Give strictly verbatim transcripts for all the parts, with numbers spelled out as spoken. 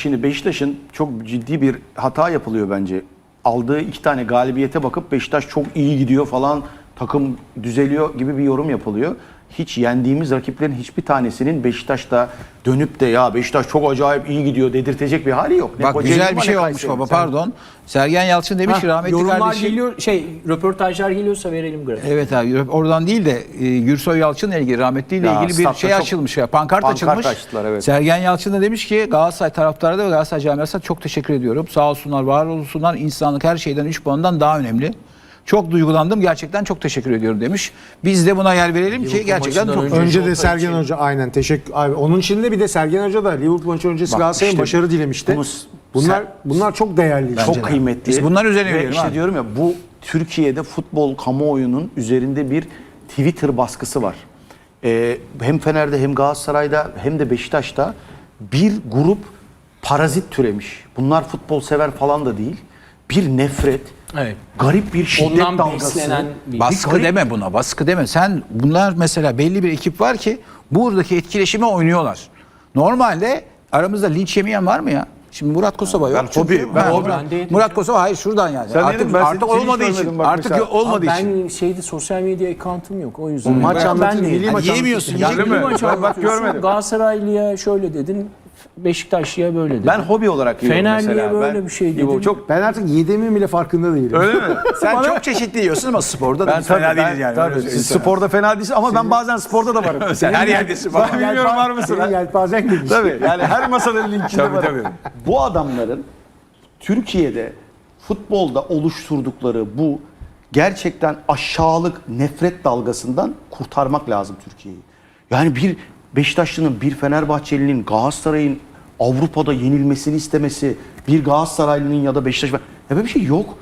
şimdi Beşiktaş'ın çok ciddi bir hata yapılıyor bence. Aldığı iki tane galibiyete bakıp Beşiktaş çok iyi gidiyor falan, takım düzeliyor gibi bir yorum yapılıyor. Hiç yendiğimiz rakiplerin hiçbir tanesinin Beşiktaş'ta dönüp de ya Beşiktaş çok acayip iyi gidiyor dedirtecek bir hali yok. Ne Bak Kocaeli güzel ama bir ne şey olmuş Kayseri. baba, pardon. Sergen Yalçın demiş ki Ha, rahmetli yorumlar kardeşim. geliyor, şey röportajlar geliyorsa verelim grafik. Evet abi, oradan değil de e, Gürsoy Yalçın'la ilgili, rahmetliyle Ya, ilgili bir statta şey çok- açılmış ya. Pankart, Pankart açılmış. açtılar, evet. Sergen Yalçın da demiş ki Galatasaray taraftarı da ve Galatasaray camiasına çok teşekkür ediyorum. Sağ olsunlar, var olsunlar. İnsanlık her şeyden üç puandan daha önemli. Çok duygulandım. Gerçekten çok teşekkür ediyorum demiş. Biz de buna yer verelim ki Liverpool gerçekten maçından çok önce Önce de Jota Sergen için- Hoca aynen teşekkür abi. Onun için de bir de Sergen Hoca da Liverpool maçı öncesi Bak Galatasaray'ın işte başarı dilemişti. bunu- bunlar Sen- bunlar çok değerli. Bence Çok de. kıymetli. Biz bunlar üzerine Ve verelim işte abi. diyorum ya, bu Türkiye'de futbol kamuoyunun üzerinde bir Twitter baskısı var. Ee, hem Fener'de hem Galatasaray'da hem de Beşiktaş'ta bir grup parazit türemiş. Bunlar futbol sever falan da değil. Bir nefret, Evet. garip bir şiddet Ondan dalgası. beslenen bir- Baskı garip- deme buna, baskı deme. Sen, bunlar mesela belli bir ekip var ki buradaki etkileşime oynuyorlar. Normalde aramızda linç yemeyen var mı ya? Şimdi Murat Kosova yok. Ben çünkü- hobi- ben Ha, hobi- Murat- Ben de yedim. Murat Kosova hayır şuradan yani. Sen artık dedin, ben artık seni- seni hiç olmadığı görmedim için. bak Artık mesela. olmadığı Ama için. ben şeyde sosyal medya account'um yok. O yüzden. Maç Ben- anlatıyor, ben de- milli maç Yani yemiyorsun, anlatıyor. yiyecek Milli mi? maç Ben bak anlatıyorsun. görmedim. Galatasaraylı'ya şöyle dedin. Beşiktaşlı'ya böyle dedin. Ben hobi olarak yiyorum Fenerli'ye mesela. böyle Ben- bir şey İbo, dedim. çok Ben artık yediğimin bile farkında değilim. öyle mi? Sen çok çeşitli yiyorsun ama sporda da Ben biz fena tabii, ben, değiliz yani. tabii, Öyle siz söyleyeyim sporda fena değilsin ama ben bazen sporda da varım. Sen her yerdesin baba. Ben bilmiyorum var mısın? Senin yelpazen geniş. Tabii yani her masanın linkinde Tabii, var. tabii. Bu adamların Türkiye'de futbolda oluşturdukları bu gerçekten aşağılık nefret dalgasından kurtarmak lazım Türkiye'yi. Yani bir Beşiktaşlı'nın, bir Fenerbahçeli'nin, Galatasaray'ın Avrupa'da yenilmesini istemesi, bir Galatasaraylı'nın ya da Beşiktaş... Ya böyle bir şey yok.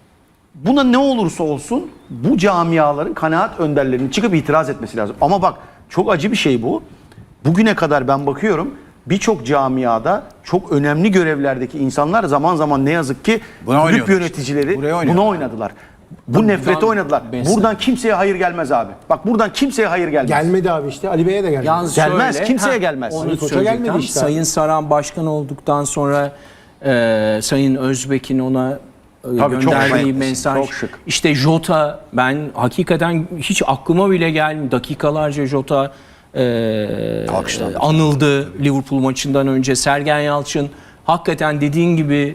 Buna ne olursa olsun bu camiaların kanaat önderlerinin çıkıp itiraz etmesi lazım. Ama bak çok acı bir şey bu. Bugüne kadar ben bakıyorum birçok camiada çok önemli görevlerdeki insanlar zaman zaman ne yazık ki Buna kulüp oynuyorlar yöneticileri işte. Buraya oynuyorlar. buna oynadılar. Bu nefreti oynadılar. beslen- Buradan kimseye hayır gelmez abi. Bak buradan kimseye hayır gelmez. Gelmedi abi işte. Ali Bey'e de gelmedi. Yalnız Gelmez, şöyle, kimseye gelmez. Onu Ali Koç'a söyleyecektim. gelmedi işte. Sayın Saran başkan olduktan sonra e, Sayın Özbek'in ona e, Tabii, çok gönderdiği şık, mesaj. çok şık. İşte Jota, ben hakikaten hiç aklıma bile gelmiyor. Dakikalarca Jota e, Alkışlandı. anıldı Liverpool maçından önce. Sergen Yalçın hakikaten dediğin gibi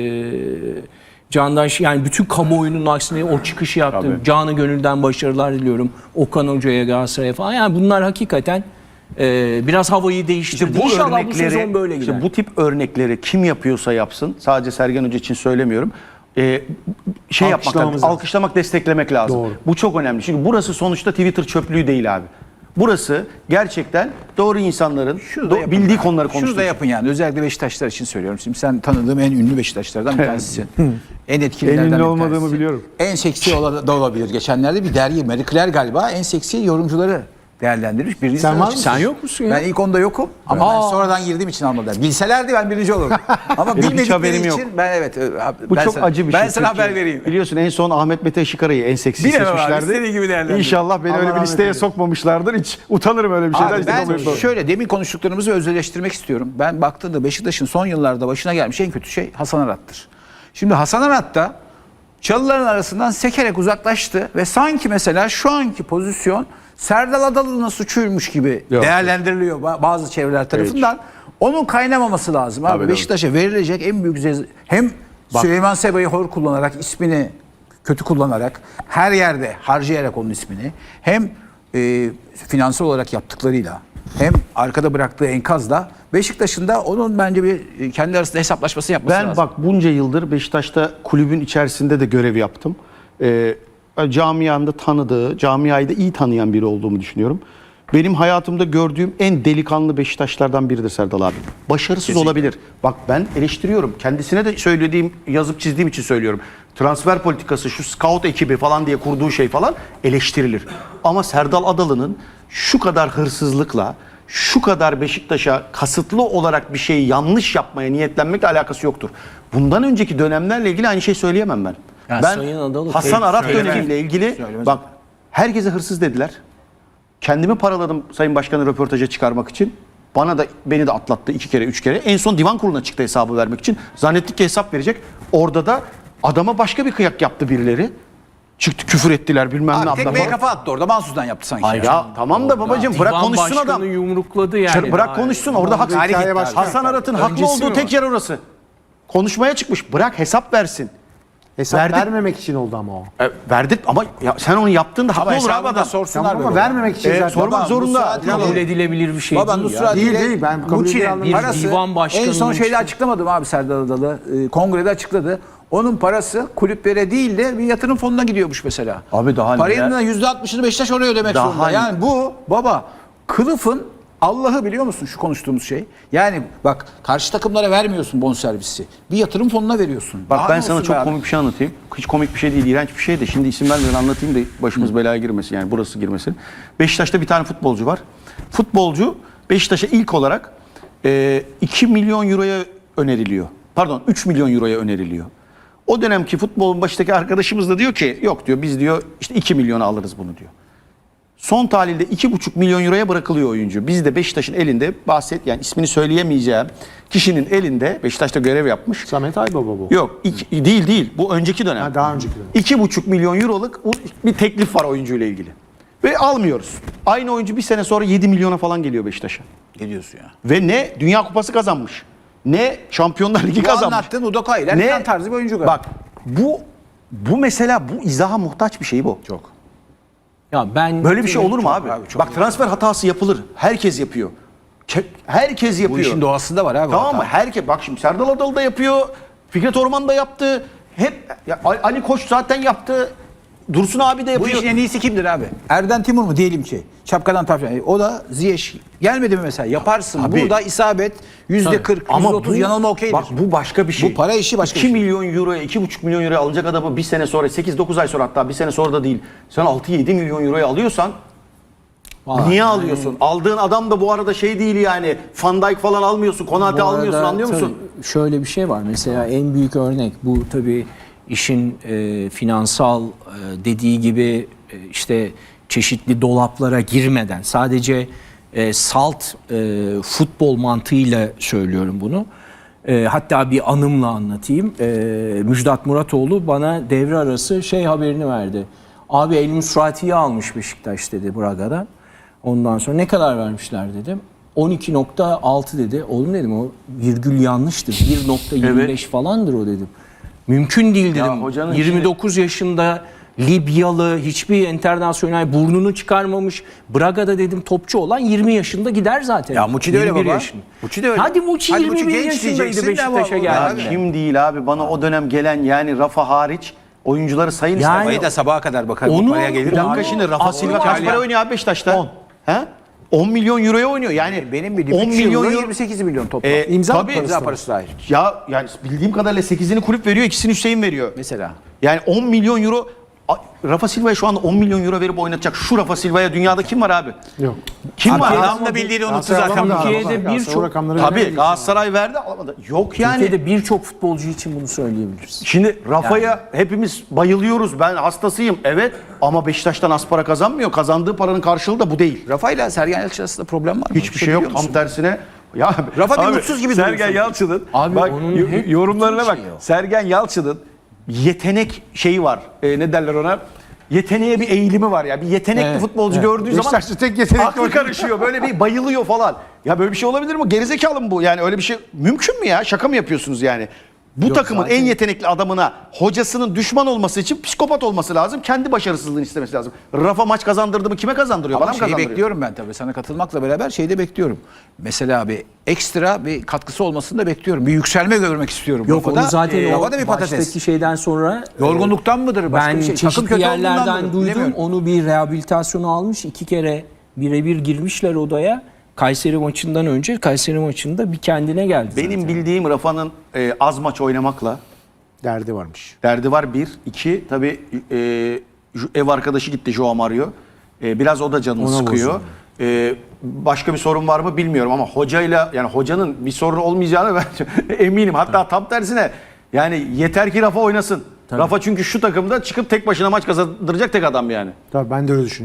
e, Candaş, yani bütün kamuoyunun aksine o çıkışı yaptı. Tabii. Canı gönülden başarılar diliyorum. Okan Hoca'ya, Galatasaray'a falan. Yani bunlar hakikaten e, biraz havayı değiştirdi. İşte bu İnşallah bu örnekleri, sezon böyle gider. işte bu tip örnekleri kim yapıyorsa yapsın, sadece Sergen Hoca için söylemiyorum. Ee, şey yapmak Alkışlamamız lazım, lazım. alkışlamak, desteklemek lazım. Doğru. Bu çok önemli. Çünkü burası sonuçta Twitter çöplüğü değil abi. Burası gerçekten doğru insanların Şunu da do- yapın bildiği yani. konuları Şunu da konuştuğu. yapın yani. Özellikle Beşiktaşlar için söylüyorum. Şimdi sen tanıdığım en ünlü Beşiktaşlardan bir tanesisin. en etkililerden En ünlü bir olmadığımı tanesisin. biliyorum. En seksi ola- da olabilir. Geçenlerde bir dergi, Marie Claire galiba en seksi yorumcuları değerlendirmiş. Birinci Sen sırada var çıkmış. mısın? Sen yok musun ya? Ben ilk onda yokum ama ben sonradan girdiğim için almadılar. Bilselerdi ben birinci olurdum. Ama Benim hiç bilmedikleri haberim için yok. ben evet. e, Bu ben çok sana, acı bir ben şey. sana Türkiye. haber vereyim. Biliyorsun en son Ahmet Mete Şikara'yı en seksi Bilemem abi, seçmişlerdi. istediği gibi değerlendir. İnşallah beni Allah öyle bir rahmet listeye eylesin. sokmamışlardır. Hiç utanırım öyle bir şeyden. Abi hiç ben utanmıyorum. şöyle demin konuştuklarımızı özdeşleştirmek istiyorum. Ben baktığımda Beşiktaş'ın son yıllarda başına gelmiş en kötü şey Hasan Arat'tır. Şimdi Hasan Arat da çalıların arasından sekerek uzaklaştı ve sanki mesela şu anki pozisyon Serdal Adalı'nın suçuymuş gibi Yok. değerlendiriliyor ba- bazı çevreler tarafından. Onun kaynamaması lazım abi. Tabii, Beşiktaş'a verilecek en büyük ceza hem Süleyman Seba'yı hor kullanarak, ismini kötü kullanarak, her yerde harcayarak onun ismini, hem e, finansal olarak yaptıklarıyla hem arkada bıraktığı enkazla Beşiktaş'ın da onun bence bir e, kendi arasında hesaplaşması yapması Ben lazım. bak bunca yıldır Beşiktaş'ta kulübün içerisinde de görev yaptım. Ee, camianda tanıdığı, camiayı da iyi tanıyan biri olduğumu düşünüyorum. Benim hayatımda gördüğüm en delikanlı Beşiktaşlardan biridir Serdal abi. Başarısız olabilir. Bak ben eleştiriyorum. Kendisine de söylediğim, yazıp çizdiğim için söylüyorum. Transfer politikası, şu scout ekibi falan diye kurduğu şey falan eleştirilir. Ama Serdal Adalı'nın şu kadar hırsızlıkla, şu kadar Beşiktaş'a kasıtlı olarak bir şeyi yanlış yapmaya niyetlenmekle alakası yoktur. Bundan önceki dönemlerle ilgili aynı şey söyleyemem ben. Ya ben Sayın Adalı Hasan tek- Arat Söylemez. dönemiyle ilgili Söylemez. bak herkese hırsız dediler. Kendimi paraladım Sayın Başkan'ı röportaja çıkarmak için. Bana da beni de atlattı iki kere üç kere. En son divan kuruluna çıktı hesabı vermek için. Zannettik ki hesap verecek. Orada da adama başka bir kıyak yaptı birileri. Çıktı küfür ettiler bilmem ne Abi yaptılar. tekmeye kafa attı orada. Mansus'tan yaptı sanki. Ay ya tamam da babacığım bırak Divan konuşsun başkanı adam. yumrukladı yani. Bırak Daha- konuşsun orada hak, Hikaye Hasan başka. Hasan Arat'ın haklı Öncesi olduğu mi tek var? yer orası. Konuşmaya çıkmış. Bırak hesap versin. Hesap Verdik. vermemek için oldu ama o. E, verdik ama ya sen onu yaptığında Ama haklı olur abi hesabını da adam. sorsunlar Tamam ama böyle. vermemek için E, zaten. sormak Baba, zorunda. Nusrat Ya, Kabul edilebilir bir şey Baba değil ya. Nusrat Değil, ile değil, ben kabul Muçi'nin edilen bir parası divan en başkanının son şeyde işte. açıklamadım abi Serdar Adalı. Ee, kongrede açıkladı. Onun parası kulüplere değil de bir yatırım fonuna gidiyormuş mesela. Abi daha ne Paranın ya? da yüzde altmışını Beşiktaş oraya ödemek Daha zorunda. ne? Yani bu baba kılıfın Allah'ı biliyor musun şu konuştuğumuz şey? Yani bak karşı takımlara vermiyorsun bonservisi. Bir yatırım fonuna veriyorsun. Bak Daha ben ne sana olsun çok be abi? komik bir şey anlatayım. Hiç komik bir şey değil, iğrenç bir şey de. Şimdi isim vermeden anlatayım da başımız belaya girmesin. Yani burası girmesin. Beşiktaş'ta bir tane futbolcu var. Futbolcu Beşiktaş'a ilk olarak e, iki milyon euroya öneriliyor. Pardon üç milyon euroya öneriliyor. O dönemki futbolun başındaki arkadaşımız da diyor ki yok diyor biz diyor işte iki milyona alırız bunu diyor. Son tahlilde iki buçuk milyon euroya bırakılıyor oyuncu. Biz de Beşiktaş'ın elinde bahset yani ismini söyleyemeyeceğim kişinin elinde Beşiktaş'ta görev yapmış. Samet Aybaba bu. Yok iki- değil değil bu önceki dönem. Ha, daha önceki dönem. iki buçuk milyon euroluk bir teklif var oyuncuyla ilgili. Ve almıyoruz. Aynı oyuncu bir sene sonra yedi milyona falan geliyor Beşiktaş'a. Geliyorsun ya. Ve ne Dünya Kupası kazanmış. Ne Şampiyonlar Ligi Bu kazanmış. anlattığın Udoka ile Erkan tarzı bir oyuncu galiba. Bak bu bu mesela bu izaha muhtaç bir şey bu. Çok. Ya ben Böyle bir şey olur mu Çok abi? abi, çok Bak transfer hatası yapılır. Herkes yapıyor. Ke- Herkes yapıyor. Bu işin doğasında var abi. Tamam hata. mı? Herkes bak şimdi Serdal Adalı da yapıyor. Fikret Orman da yaptı. Hep ya Ali Koç zaten yaptı. Dursun abi de Bu yapıyor. işin en iyisi kimdir abi? Erden Timur mu diyelim ki? Şapkadan tavşan. E, O da Ziyech. Gelmedi mi mesela? Yaparsın. Tabii. Burada isabet yüzde kırk, yüzde otuz yanılma okeydir. Bak bu başka bir şey. Bu para işi başka iki bir şey. milyon euroya, iki buçuk milyon euroya alacak adamı bir sene sonra, sekiz dokuz ay sonra hatta bir sene sonra da değil. Sen altı yedi milyon euroya alıyorsan Vallahi niye yani- alıyorsun? Aldığın adam da bu arada şey değil yani. Van Dijk falan almıyorsun, Konate Bu arada almıyorsun anlıyor musun? tabii şöyle bir şey var. Mesela en büyük örnek bu tabii işin e, finansal e, dediği gibi e, işte çeşitli dolaplara girmeden sadece e, salt e, futbol mantığıyla söylüyorum bunu. E, hatta bir anımla anlatayım. E, Müjdat Muratoğlu bana devre arası şey haberini verdi. Abi El Musrati'yi almış Beşiktaş dedi Braga'dan. Ondan sonra ne kadar vermişler dedim. on iki nokta altı dedi. Oğlum dedim o virgül yanlıştır. bir nokta yirmi beş falandır o dedim. Mümkün değil Ya dedim. hocanın yirmi dokuz yaşında Libyalı hiçbir internasyonel burnunu çıkarmamış. Braga'da dedim topçu olan yirmi yaşında gider zaten. Ya Muçi de öyle yirmi bir baba. yaşında. Muçi de öyle. Hadi Muçi Hadi yirmi Muçi bir genç yaşındaydı diyeceksin de Beşiktaş'a ama Ya geldi. kim değil abi bana o dönem gelen yani Rafa hariç oyuncuları sayın Yani- işte. Parayı da sabaha kadar bakar. Onu- Bu paraya gelir. Bir dakika Onu- şimdi Rafa Aklı Silva var kaç ya. para oynuyor abi Beşiktaş'ta? on. He? on milyon euroya oynuyor. Yani Benim bildiğim on üç milyon yılda euro. yirmi sekiz milyon toplam. E, İmza tabii. imza parası dahil. Ya yani bildiğim kadarıyla sekizini kulüp veriyor, ikisini Hüseyin veriyor. Mesela. Yani on milyon euro A- Rafa Silva'ya şu anda on milyon euro verip oynatacak şu Rafa Silva'ya dünyada kim var abi? Yok. Kim Abi var? adam da bildiğini unuttu Galatasaray zaten. alamadı Türkiye'de galiba. Galatasaray birçok- o rakamları Tabii veremedi. Galatasaray verdi alamadı. Yok yani. Türkiye'de birçok futbolcu için bunu söyleyebiliriz. Şimdi Rafa'ya hepimiz bayılıyoruz. Ben hastasıyım. Evet ama Beşiktaş'tan az para kazanmıyor. Kazandığı paranın karşılığı da bu değil. Rafa ile Sergen Yalçın arasında problem var mı? Hiçbir şey yok. biliyor Tam musun? tersine. Ya Rafa bir abi, mutsuz gibi duruyor Sergen sanki. Yalçın'ın Abi bak onun yo- hep yorumlarına bütün bak. şeyi o. Sergen Yalçın'ın yetenek şeyi var. E, ne derler ona? Yeteneğe bir eğilimi var ya. Bir yetenekli Evet, futbolcu gördüğü zaman Beşiktaş'ta tek yetenekli aklı oyuncu. karışıyor. Böyle bir bayılıyor falan. Ya böyle bir şey olabilir mi? Gerizekalı mı bu? Yani öyle bir şey mümkün mü ya? Şaka mı yapıyorsunuz yani? Bu takımın zaten- en yetenekli adamına hocasının düşman olması için psikopat olması lazım. Kendi başarısızlığını istemesi lazım. Rafa maç kazandırdı mı kime kazandırıyor? Ama Bana mı şeyi kazandırıyor? bekliyorum ben tabii. Sana katılmakla beraber şeyi de bekliyorum. Mesela bir ekstra bir katkısı olmasını da bekliyorum. Bir yükselme görmek istiyorum. Yok Rafa'da. onu zaten Ee, o Rafa'da bir patates. baştaki şeyden sonra Yorgunluktan mıdır? Başka ben bir şey. Takım çeşitli kötü olduğundan yerlerden mıdır? duydum. Bilemiyorum. Onu bir rehabilitasyonu almış. iki kere birebir girmişler odaya. Kayseri maçından önce Kayseri maçında bir kendine geldi. Benim zaten. bildiğim Rafa'nın e, az maç oynamakla Derdi varmış. derdi var bir. İki tabii e, ju- ev arkadaşı gitti Joao Mario. E, biraz o da canını Ona sıkıyor. E, başka bir sorun var mı bilmiyorum ama hocayla yani hocanın bir sorun olmayacağını ben eminim. Hatta tam tersine yani yeter ki Rafa oynasın. Rafa çünkü şu takımda çıkıp tek başına maç kazandıracak tek adam yani. Tabii ben de öyle düşünüyorum.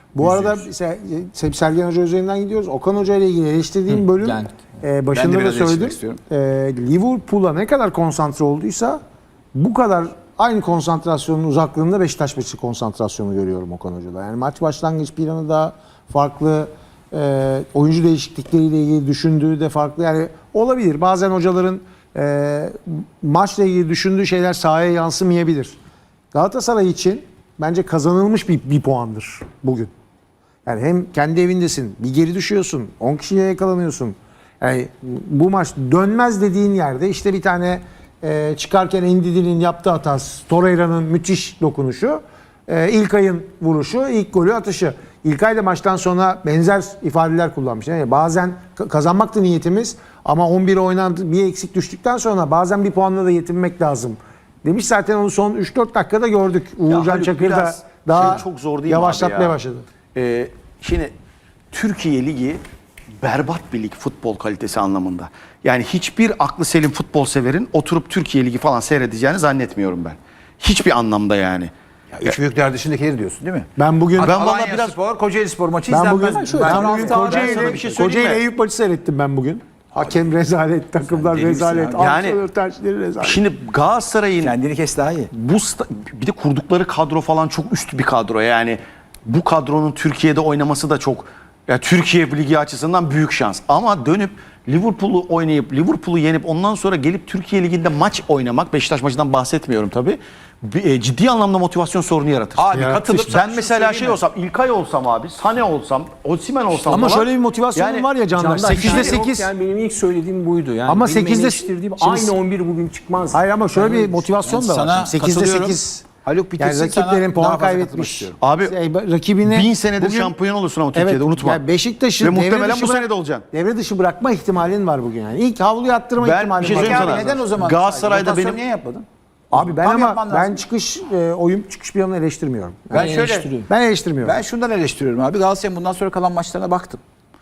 Bu arada Se- Se- Sergen Hoca üzerinden gidiyoruz. Okan Hoca ile ilgili eleştirdiğim bölüm geldik. e, başında Ben de da biraz söyledim. eleştirmek E, Liverpool'a ne kadar konsantre olduysa bu kadar aynı konsantrasyonun uzaklığında Beşiktaş maçı konsantrasyonu görüyorum Okan Hoca'da. Yani maç başlangıç planı da farklı, e, oyuncu değişiklikleriyle ilgili düşündüğü de farklı. Yani olabilir. Bazen hocaların e, maçla ilgili düşündüğü şeyler sahaya yansımayabilir. Galatasaray için bence kazanılmış bir, bir puandır bugün. Yani hem kendi evindesin, bir geri düşüyorsun, on kişiye yakalanıyorsun. Yani bu maç dönmez dediğin yerde işte bir tane e, çıkarken Endidi'nin yaptığı hatası, Torreira'nın müthiş dokunuşu, e, İlkay'ın vuruşu, ilk golü atışı. İlkay da maçtan sonra benzer ifadeler kullanmış. Yani bazen ka- kazanmaktı niyetimiz ama on bir oynandı, bir eksik düştükten sonra bazen bir puanla da yetinmek lazım. Demiş zaten onu son üç dört dakikada gördük. Uğurcan Haluk, Çakır da biraz daha şey çok zor değil mi abi yavaşlatmaya ya? başladı. Ee, şimdi Türkiye Ligi berbat bir lig futbol kalitesi anlamında. Yani hiçbir aklı selim futbol severin oturup Türkiye Ligi falan seyredeceğini zannetmiyorum ben. Hiçbir anlamda yani. Ya üç büyükler dışındakileri diyorsun değil mi? Ben bugün Ben Ben vallahi Alanya biraz- Spor, Kocaeli Spor maçı ben izlenmez. bugün, mi? ben Ben- bugün ben sana Kocaeli, bir şey söyleyeyim Kocaeli mi? Eyüp maçı seyrettim ben bugün. Hakem rezalet, takımlar deli misin rezalet, abi? Yani- antrenör tercihleri rezalet. Şimdi Galatasaray'ın Kendini kes daha iyi. bu sta- bir de kurdukları kadro falan çok üst bir kadro. Yani bu kadronun Türkiye'de oynaması da çok ya Türkiye Ligi açısından büyük şans. Ama dönüp Liverpool'u oynayıp Liverpool'u yenip ondan sonra gelip Türkiye Ligi'nde maç oynamak, Beşiktaş maçından bahsetmiyorum tabii. bir- e, ciddi anlamda motivasyon sorunu yaratır. Abi Ya, katılıp İşte ben mesela şey olsam, İlkay olsam abi, Sane olsam, Osimhen olsam Ama falan, şöyle bir motivasyonun yani- var ya Candaş. Candaş, sekizde yani sekiz. yok, yani benim ilk söylediğim buydu. Yani Ama benim sekizde eleştirdiğim şimdi- aynı on bir bugün çıkmaz. Hayır ama şöyle bir motivasyon da var. Sana sekizde katılıyorum. sekiz. Haluk bitirsin, Yani sana rakiplerin daha puan fazla katılmak kaybetmiş. istiyorum. Abi, Şey, rakibine bin senedir bugün- şampiyon olursun ama Türkiye'de, unutma. Yani Beşiktaş'ı Ve devre muhtemelen dışı bu bırak- sene de olacaksın. Devre dışı bırakma ihtimalin var bugün yani. İlk havluyu attırma Ben ihtimalin bir şey var. söyleyeyim Peki sana. abi neden o zaman? Galatasaray'da Rotasyon benim- niye yapmadın? Abi ben Tam ama yapman ben lazım. çıkış e, oyun çıkış planını eleştirmiyorum. Ben Ben şöyle eleştiriyorum. Ben eleştirmiyorum. ben şundan eleştiriyorum abi. Galatasaray'ın bundan sonra kalan maçlarına baktım.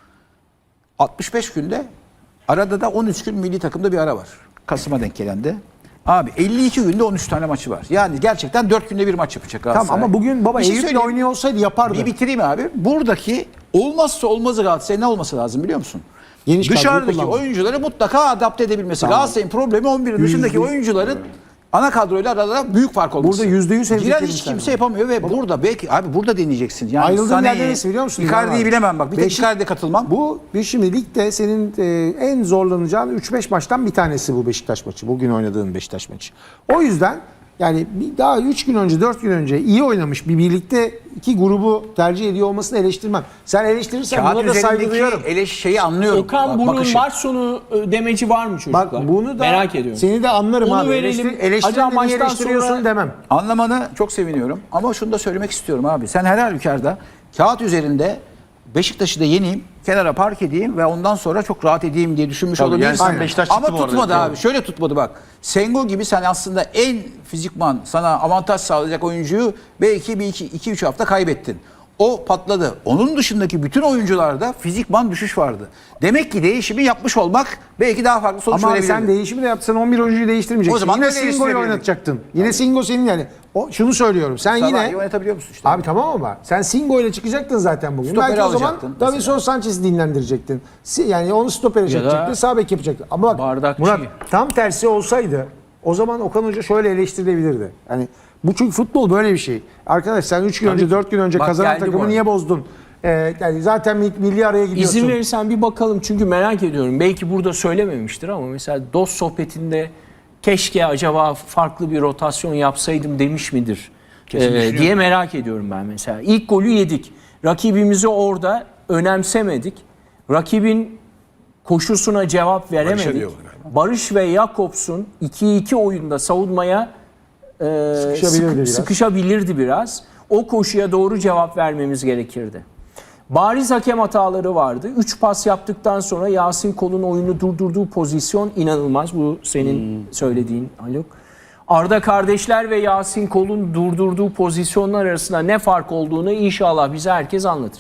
altmış beş günde arada da on üç gün milli takımda bir ara var. Kasım'a denk gelen de. Abi elli iki günde on üç tane maçı var. Yani gerçekten dört günde bir maç yapacak Galatasaray. Tamam ama bugün baba Bir şey Eyüp'le söyleyeyim. oynuyor olsaydı yapardı. Bir bitireyim abi. Buradaki olmazsa olmazı Galatasaray ne olması lazım biliyor musun? Geniş kadroyu Dışarıdaki kullanmak. oyuncuları mutlaka adapte edebilmesi. Galatasaray'ın problemi on birin dışındaki Yüzde- oyuncuların ana kadroyla arada büyük fark olması. Burada yüzde yüz Giren hemfikirim hiç seninle. kimse yapamıyor ve burada belki abi burada deneyeceksin. Yani Ayrıldığın Sané'yi, yerde neresi biliyor musun? Icardi'yi İlhan abi? bilemem bak. Bir tek Beşik- Icardi'ye katılmam. Bu bir şimdi ligde senin e, en zorlanacağın üç beş maçtan bir tanesi bu Beşiktaş maçı. Bugün oynadığın Beşiktaş maçı. O yüzden yani bir daha üç gün önce dört gün önce iyi oynamış bir birlikte iki grubu tercih ediyor olmasını eleştirmem. Sen eleştirirsen Kağıt buna da saygı üzerindeki duyuyorum. eleş şeyi anlıyorum. Okan Bak, bunun bakışı. maç sonu e, demeci var mı çocuklar? Bak bunu da merak ediyorum. seni de anlarım Onu abi. verelim. Eleştir, eleştirin Acaba de niye maçtan eleştiriyorsun sonra- demem. Anlamanı çok seviniyorum ama şunu da söylemek istiyorum abi. Sen her halükarda kağıt üzerinde Beşiktaş'ı da yeneyim, kenara park edeyim ve ondan sonra çok rahat edeyim diye düşünmüş Tabii, olabilirsin. yani sen Aynen. Beşiktaş Ama çıktı bu arada. tutmadı Evet. abi. Şöyle tutmadı bak. Sengo gibi sen aslında en fizikman sana avantaj sağlayacak oyuncuyu belki bir iki, iki üç hafta kaybettin. O patladı. Onun dışındaki bütün oyuncularda fizikman düşüş vardı. Demek ki değişimi yapmış olmak belki daha farklı sonuç Ama abi verebilirdi. sen değişimi de yapsan on bir oyuncuyu değiştirmeyeceksin. O zaman yine da Singo'yu değiştirebilirdin. oynatacaktın. Yine Singo senin yani. O, şunu söylüyorum. Sen Sabah'ı yine oynatabiliyor musun işte? Abi tamam ama sen Singo ile çıkacaktın zaten bugün. Stoperi Belki o zaman alacaktın Davinson Sanchez'i dinlendirecektin. Si- Yani onu stopere Ya da çekecektin. Sağ bek yapacaktın. Ama bak bardakçı. Murat tam tersi olsaydı o zaman Okan Hoca şöyle eleştirilebilirdi. Yani bu çünkü futbol böyle bir şey. Arkadaş sen üç gün önce dört gün önce Bak kazanan geldi bu takımı arada. niye bozdun? Ee, yani zaten mi- milli araya gidiyorsun. İzin verirsen bir bakalım çünkü merak ediyorum. Belki burada söylememiştir ama mesela dost sohbetinde keşke acaba farklı bir rotasyon yapsaydım demiş midir Ee, diye merak ediyorum ben mesela. İlk golü yedik. Rakibimizi orada önemsemedik. Rakibin koşusuna cevap veremedik. diyorlar galiba. Barış ve Jakobs'un iki iki oyunda savunmaya e, Sıkışabilirdi sıkı- biraz. sıkışabilirdi biraz. O koşuya doğru cevap vermemiz gerekirdi. Bariz hakem hataları vardı. üç pas yaptıktan sonra Yasin Kol'un oyunu durdurduğu pozisyon inanılmaz. Bu senin söylediğin Haluk. Arda kardeşler ve Yasin Kol'un durdurduğu pozisyonlar arasında ne fark olduğunu inşallah bize herkes anlatır.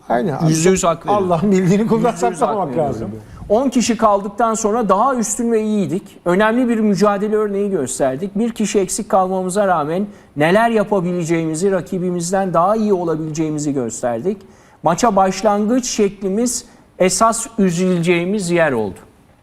Aynen. Yüzde yüz hak veriyorum. Allah'ın bildiğini kuldan Yüzde yüz saklamak hak veriyorum. lazım. on kişi kaldıktan sonra daha üstün ve iyiydik. Önemli bir mücadele örneği gösterdik. Bir kişi eksik kalmamıza rağmen neler yapabileceğimizi, rakibimizden daha iyi olabileceğimizi gösterdik. Maça başlangıç şeklimiz esas üzüleceğimiz yer oldu.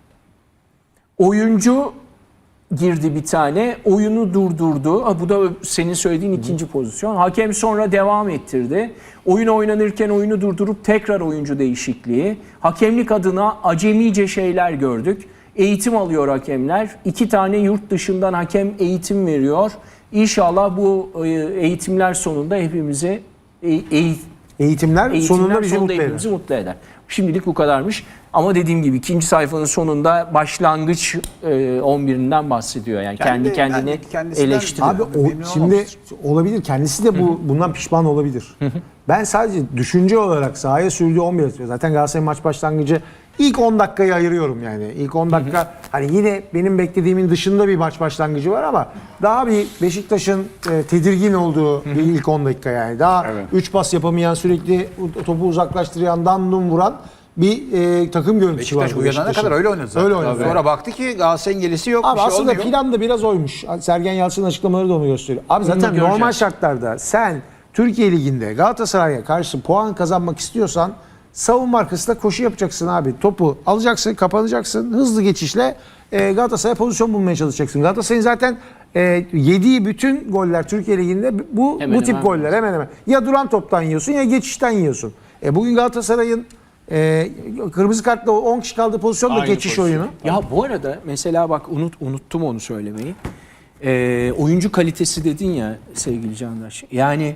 Oyuncu girdi bir tane, oyunu durdurdu. Ha, bu da senin söylediğin ikinci pozisyon. Hakem sonra devam ettirdi. Oyun oynanırken oyunu durdurup tekrar oyuncu değişikliği. Hakemlik adına acemice şeyler gördük. Eğitim alıyor hakemler. İki tane yurt dışından hakem eğitim veriyor. İnşallah bu e, eğitimler sonunda hepimizi e, eğit Eğitimler, Eğitimler sonunda bizi sonunda mutlu eder. hepimizi mutlu eder. Şimdilik bu kadarmış. Ama dediğim gibi ikinci sayfanın sonunda başlangıç e, on birinden bahsediyor. Yani kendi, Kendi- kendini kendi kendisinden- eleştiriyor. Abi o, Memnun şimdi olmamıştır. olabilir. Kendisi de bu bundan pişman olabilir. Ben sadece düşünce olarak sahaya sürdüğü on bir atıyor. Zaten Galatasaray maç başlangıcı ilk on dakikayı ayırıyorum yani. İlk on dakika hani yine benim beklediğimin dışında bir maç başlangıcı var ama daha bir Beşiktaş'ın e, tedirgin olduğu bir ilk on dakika yani. Daha üç pas yapamayan, sürekli topu uzaklaştıran, dandum vuran bir e, takım görüntüsü var. Beşiktaş bu uyanana Beşiktaş'ın. kadar öyle oynadı zaten. Öyle oynadı. Sonra baktı ki Galatasaray'ın gelisi yok. Abi bir şey aslında olmuyor. plan da biraz oymuş. Sergen Yalçın'ın açıklamaları da onu gösteriyor. Abi zaten göreceğiz. normal şartlarda sen Türkiye Ligi'nde Galatasaray'a karşı puan kazanmak istiyorsan savunma arkasında koşu yapacaksın abi. Topu alacaksın, kapanacaksın. Hızlı geçişle e, Galatasaray'a pozisyon bulmaya çalışacaksın. Galatasaray'ın zaten e, yediği bütün goller Türkiye Ligi'nde bu Hemen bu tip hemen. goller hemen hemen. Ya duran toptan yiyorsun ya geçişten yiyorsun. E, bugün Galatasaray'ın e, kırmızı kartla on kişi kaldığı pozisyonda Aynı geçiş pozisyon. oyunu. Ya bu arada mesela bak unut unuttum onu söylemeyi. Ee, oyuncu kalitesi dedin ya sevgili Candaş. Yani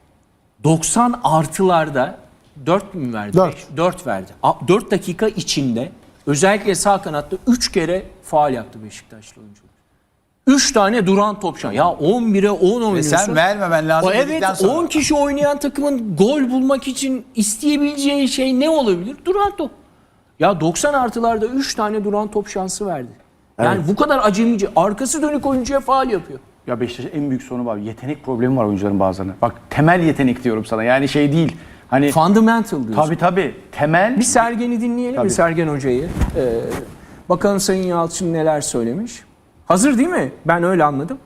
doksan artılarda dört mü verdi? Dört. Beş, dört verdi. A- dört dakika içinde özellikle sağ kanatta üç kere faul yaptı Beşiktaşlı oyuncular. üç tane duran top şansı. Ya on bire on oynuyorsun. Ve sen vermemen lazım O evet dedikten sonra. on kişi oynayan takımın gol bulmak için isteyebileceği şey ne olabilir? Duran top. Ya doksan artılarda üç tane duran top şansı verdi. Yani bu kadar acemice. Arkası dönük oyuncuya faul yapıyor. Ya Beşiktaş'ın en büyük sorunu var. Yetenek problemi var oyuncuların bazılarına. Bak temel yetenek diyorum sana. Yani şey değil. Hani Fundamental diyorsun. tabii tabii temel Bir Sergen'i dinleyelim Tabii. mi Sergen Hoca'yı? Ee, bakalım Sayın Yalçın neler söylemiş. Hazır değil mi? Ben öyle anladım.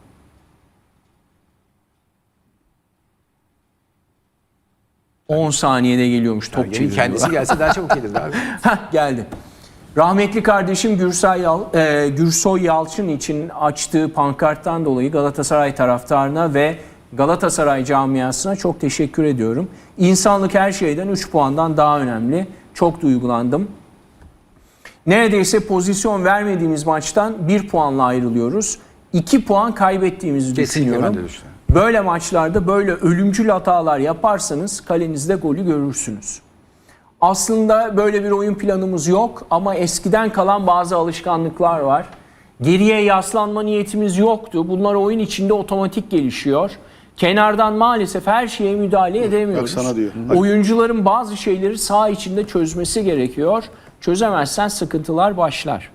on saniyede geliyormuş top Gelin çeviriyor. kendisi gelse daha çabuk gelirdi abi. Heh, geldi. Rahmetli kardeşim Gürsay Yal, e, Gürsoy Yalçın için açtığı pankarttan dolayı Galatasaray taraftarına ve Galatasaray camiasına çok teşekkür ediyorum. İnsanlık her şeyden üç puandan daha önemli. Çok duygulandım. Neredeyse pozisyon vermediğimiz maçtan bir puanla ayrılıyoruz. iki puan kaybettiğimizi Kesinlikle ben düşünüyorum. de düşünüyorum. Böyle maçlarda böyle ölümcül hatalar yaparsanız kalenizde golü görürsünüz. Aslında böyle bir oyun planımız yok ama eskiden kalan bazı alışkanlıklar var. Geriye yaslanma niyetimiz yoktu. Bunlar oyun içinde otomatik gelişiyor. Kenardan maalesef her şeye müdahale edemiyoruz. Bak sana diyor. Oyuncuların bazı şeyleri saha içinde çözmesi gerekiyor. Çözemezsen sıkıntılar başlar.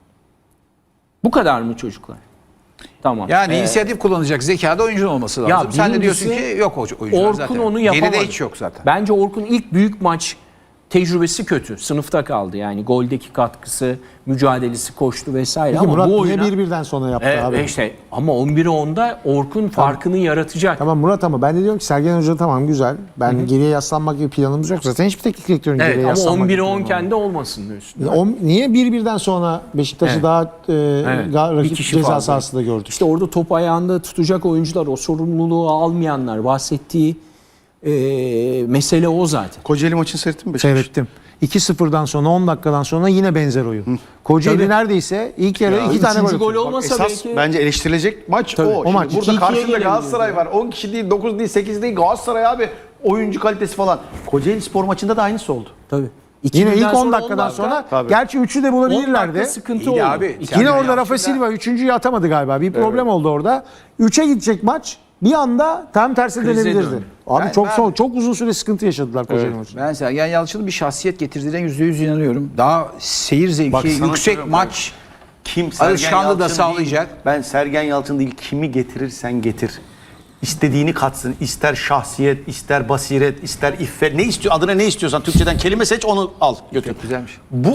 Bu kadar mı çocuklar? Tamam. Yani Ee, inisiyatif kullanacak zekada oyuncunun olması lazım. Ya Sen de diyorsun birincisi, ki yok o- oyuncular Orkun zaten. onu yapamadı. Geride hiç yok zaten. Bence Orkun ilk büyük maç tecrübesi kötü. Sınıfta kaldı yani. Goldeki katkısı, mücadelesi, koştu vesaire. Peki ama Murat bu niye oyuna... bir birden sonra yaptı E, abi? işte, ama on bire onda Orkun farkını yaratacak. Tamam Murat ama ben de diyorum ki Sergen Hoca tamam güzel. Ben geriye yaslanmak gibi planımız yok. Zaten hiçbir teknik direktörün Evet, geriye ama yaslanmak on bire gibi on planı kendi olmasın diyorsun. yok. O- Niye bir birden sonra Beşiktaş'ı Evet. daha e, ga- Bir rakip kişi ceza fazla. sahasında gördük? İşte orada top ayağında tutacak oyuncular, o sorumluluğu almayanlar, bahsettiği e, mesele o zaten. Kocaeli maçını seyrettin mi Beşiktaş? Seyrettim. iki sıfırdan sonra on dakikadan sonra yine benzer oyun. Kocaeli Tabii. neredeyse ilk yarı iki tane Üçüncü gol gol atıyor. olmasa Esas belki... bence eleştirilecek maç o. o Şimdi maç. burada iki ikiye karşında gelebiliriz Galatasaray ya. var. on kişi değil, dokuz değil, sekiz değil. Galatasaray abi oyuncu kalitesi falan. Kocaeli Spor maçında da aynısı oldu. Tabii. Yine birden ilk on sonra dakikadan dakika, sonra Tabii. gerçi üçü de on bulabilirlerdi. dakika sıkıntı İyi oldu. de abi, İki- sen- Yine Sergen orada Rafa Yalçın'da- Silva üçüncüyü atamadı galiba. Bir problem oldu orada. üçe gidecek maç. Bir anda tam tersi Krize dönebilirdi. döndü. Abi Ben- çok ben- son, çok uzun süre sıkıntı yaşadılar Kocaeli maçında. Ben Sergen Yalçın'ın bir şahsiyet getirdiğine yüzde yüz inanıyorum. Daha seyir zevki, Bak sana yüksek söylüyorum, maç. Kim Alışkanlığı da Yalçın sağlayacak. Değil, ben Sergen Yalçın değil kimi getirirsen getir. istediğini katsın. İster şahsiyet, ister basiret, ister iffet. Ne istiyor? Adına ne istiyorsan Türkçeden kelime seç, onu al götür. Çok güzelmiş. Bu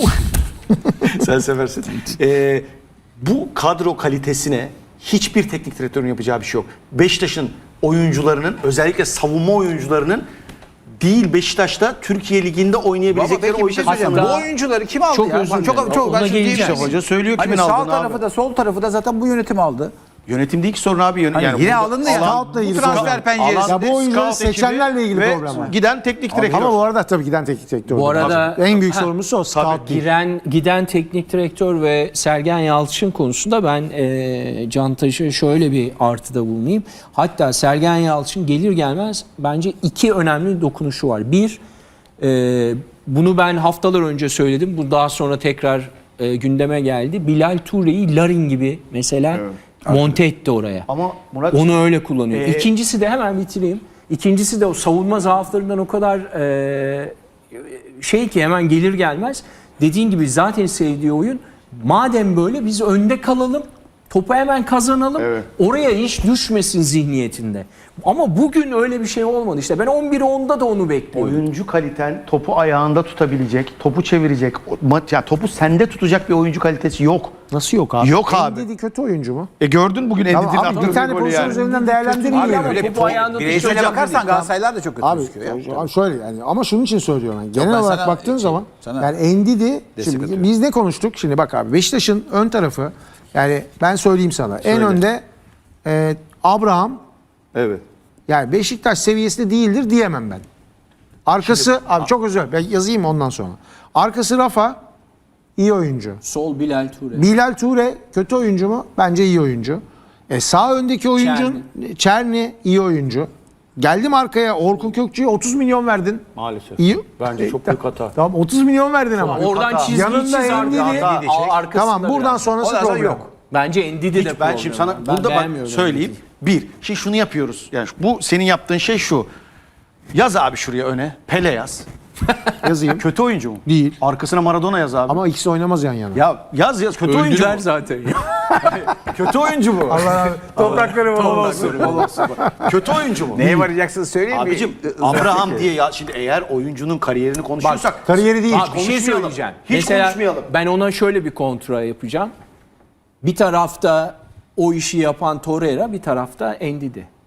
sen seversin. Ee, bu kadro kalitesine hiçbir teknik direktörün yapacağı bir şey yok. Beşiktaş'ın oyuncularının, özellikle savunma oyuncularının değil, Beşiktaş'ta Türkiye Ligi'nde oynayabilecekleri Peki bir şey oyuncular. söyleyeceğim. Hatta- Bu oyuncuları kim aldı Çok ya? özür Bak, dilerim. Çok, çok, Ona ben şimdi geleceğiz. diyeyim. Hoca söylüyor kimin Hani sağ aldığını tarafı abi. da sol tarafı da zaten bu yönetim aldı. Yönetim değil ki sorun abi. Yön- Hani yani yine burada alındı ya. Scout'la Bu ilgili transfer sorun. penceresi. Ya bu oyuncuları Scout ekibi seçenlerle ilgili ve problem var. giden teknik direktör. Ama bu arada tabii giden teknik direktör. Bu arada- en büyük Ha, sorumlusu o. Scout değil. Giren, giden teknik direktör ve Sergen Yalçın konusunda ben e, Cantaş'a şöyle bir artıda bulunayım. Hatta Sergen Yalçın gelir gelmez bence iki önemli dokunuşu var. Bir, e, bunu ben haftalar önce söyledim. Bu daha sonra tekrar e, gündeme geldi. Bilal Toure'yi Larin gibi mesela monte etti oraya. Ama Murat, Onu öyle kullanıyor. Ee, İkincisi de hemen bitireyim. İkincisi de o savunma zaaflarından o kadar e, şey ki hemen gelir gelmez. Dediğin gibi zaten sevdiği oyun. Madem böyle biz önde kalalım. Topu hemen kazanalım. Evet. Oraya hiç düşmesin zihniyetinde. Ama bugün öyle bir şey olmadı. İşte ben on bir onda da onu bekliyorum. oyuncu kaliten topu ayağında tutabilecek, topu çevirecek, o- ma- yani topu sende tutacak bir oyuncu kalitesi yok. Nasıl yok abi? Yok abi. Ndidi kötü oyuncu mu? E gördün bugün Tamam Endid'in abi attığı bir tane golü pozisyon yani. üzerinden değerlendirin Abi yani. ama Öyle topu ayağında bireysel tutacak bakarsan değil. Galatasaraylar da çok kötü Abi, gözüküyor ya. abi şöyle yani ama şunun için söylüyorum yani. Genel ben olarak sana baktığın şey- zaman sana yani Ndidi destek şimdi atıyorum. biz ne konuştuk? Şimdi bak abi Beşiktaş'ın ön tarafı yani ben söyleyeyim sana. En önde e, Abraham Evet. yani Beşiktaş seviyesinde değildir diyemem ben. Arkası abi çok özür dilerim. Ben yazayım ondan sonra. Arkası Rafa iyi oyuncu. Sol Bilal Ture. Bilal Ture kötü oyuncu mu? Bence iyi oyuncu. E sağ öndeki oyuncun Çerni iyi oyuncu. Geldim arkaya Orkun Kökçü'ye otuz milyon verdin. Maalesef. İyi. Bence E, çok büyük hata. Tamam otuz milyon verdin ama. Oradan hata. çizgiyi Yanında çiz abi. Ndidi- Hata. Ndidi çek. Aa, arkasında Tamam buradan biraz. sonrası Ondan sonra problem. yok. Bence Ndidi de Hiç, ben problem şimdi sana var. Ben burada bak beğenmiyorum söyleyeyim. Ndidi'yi. Bir, şimdi şunu yapıyoruz. Yani bu senin yaptığın şey şu. Yaz abi şuraya öne. Pele yaz. Yazayım. Kötü oyuncu mu? Değil. Arkasına Maradona yaz abi. Ama ikisi oynamaz yan yana. ya yaz yaz kötü oyuncu Öldüler mu? zaten. Kötü oyuncu bu. Allah toprakları bol olsun. Kötü oyuncu mu? Neye varacaksınız söyleyeyim mi? Abicim Abraham diye ya şimdi eğer oyuncunun kariyerini konuşuyorsak Kariyeri değil. Abi bir şey konuşmayalım. söyleyeceğim. Hiç Mesela konuşmayalım. ben ona şöyle bir kontra yapacağım. Bir tarafta o işi yapan Torreira, bir tarafta Ndidi.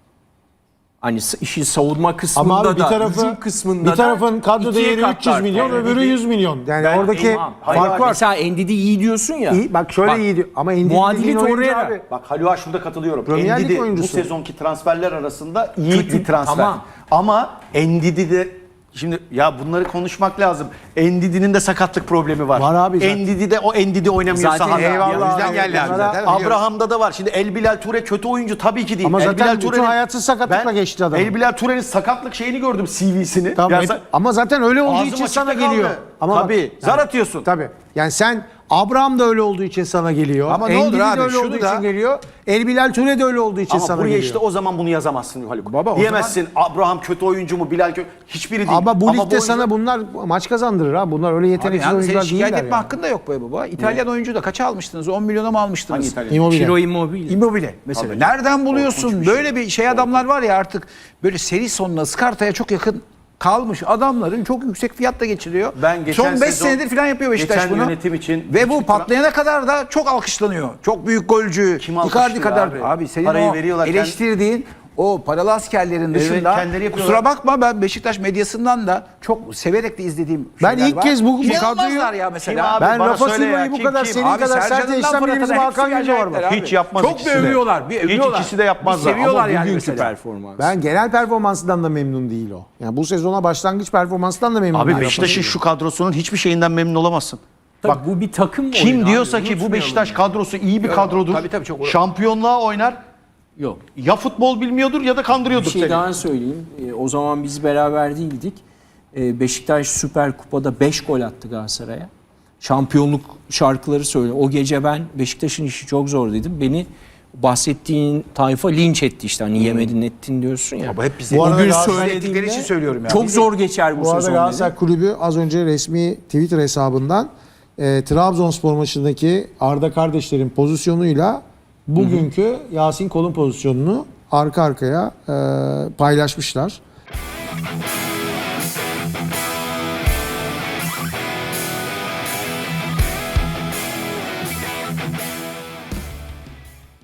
Hani s- işin savunma kısmında Ama abi bir da, tarafı hücum kısmında bir tarafın da kadro ikiye değeri üç yüz katlar. milyon, Yani öbürü Ndidi- yüz milyon. Yani Ben- oradaki Tamam. Hayır, fark var. Mesela Ndidi iyi diyorsun ya. İyi, bak şöyle iyi diyor. Ama Ndidi muadili dediğin oyuncu Torreira. abi. Bak Halua şurada katılıyorum. Premier Lig Ndidi bu oyuncusu. sezonki transferler arasında iyi bir transfer. Tamam. Ama Ndidi de şimdi ya bunları konuşmak lazım. Ndidi'nin de sakatlık problemi var. Var abi zaten. Ndidi de o Ndidi oynamıyor Zaten sahada. eyvallah. O yüzden abi. geldi abi Bunlara- zaten. biliyorum. Abraham'da da var. Şimdi El Bilal Ture kötü oyuncu tabii ki değil. Ama El zaten Bilal bütün Ture'nin- hayatı sakatlıkla Ben geçti adamın. El Bilal Ture'nin sakatlık şeyini gördüm C V'sini. Tamam, Ya hep- sa- ama zaten öyle olduğu Ağzım için açıkta sana kaldı. geliyor. Ama bak- Tabii. Zar atıyorsun. Tabii. Yani sen Abraham da öyle olduğu için sana geliyor. Ama ne olur Ndidi de abi, öyle şunu olduğu da- için geliyor. El Bilal Ture de öyle olduğu için Ama sana buraya geliyor. işte o zaman bunu yazamazsın Haluk. Baba, o Diyemezsin Abraham kötü oyuncu mu Bilal kötü. Hiçbiri değil. Ama bu ligde oyuncu- sana bunlar maç kazandırır ha. Bunlar öyle Abi yeteneksiz yani oyuncular senin şikayet değiller etme yani. hakkın da yok be baba. İtalyan oyuncu da kaça almıştınız? on milyona mı almıştınız? Hangi İtalyan? Immobile. Ciro Immobile. Immobile mesela. Nereden buluyorsun? Böyle bir şey adamlar var ya artık böyle seri sonuna Skarta'ya çok yakın kalmış adamların çok yüksek fiyatla geçiriyor. Ben geçen Son beş sezon- senedir falan yapıyor Beşiktaş geçen bunu. yönetim için Ve bu hiçbir tra- patlayana kadar da çok alkışlanıyor. Çok büyük golcü. Kim Icardi alkışlıyor kadar. abi? Abi, senin Parayı o veriyorlar, eleştirdiğin o paralı askerlerin dışında kendileri yapıyorlar. kusura bakma ben Beşiktaş medyasından da çok severek de izlediğim Ben şeyler ilk var. kez bu- bu İnanılmazlar kadroyu- ya Kim mesela. abi? Ben Bana Rafa söyle ya, Silva'yı bu kim, kadar kim? senin Abi kadar sert Sercan'dan eleştiren Fırat'a birimiz da hepsi Hakan Yüce var bak. gelecekler abi. Hiç yapmaz Çok ikisi de. övüyorlar. Bir Hiç övüyorlar. ikisi de yapmazlar. Bir seviyorlar Ama yani Bugünkü mesela. performans. Ben genel performansından da memnun değil o. Yani bu sezona başlangıç performansından da memnun Abi değil. Beşiktaş'ın şu kadrosunun hiçbir şeyinden memnun olamazsın. Bak bu bir takım Kim oyunu diyorsa abi, ki bu unutmayalım Beşiktaş yani. kadrosu iyi bir kadrodur. tabii, tabii, çok- Şampiyonluğa oynar. Yok. Ya futbol bilmiyordur ya da Bir kandırıyordur şey seni. daha söyleyeyim. Ee, o zaman biz beraber değildik. Ee, Beşiktaş Süper Kupa'da beş gol attı Galatasaray'a. Şampiyonluk şarkıları söyle. O gece ben Beşiktaş'ın işi çok zor dedim. Beni bahsettiğin tayfa linç etti işte. Hani yemedin ettin diyorsun ya. Ama hep bize Bu arada o gün Galatasaray ettikleri söylediğimde için söylüyorum ya. çok zor geçer bu, Bu arada sezon Galatasaray dedim. Kulübü az önce resmi Twitter hesabından e, Trabzonspor maçındaki Arda kardeşlerin pozisyonuyla bugünkü Yasin Kol'un pozisyonunu arka arkaya e, paylaşmışlar.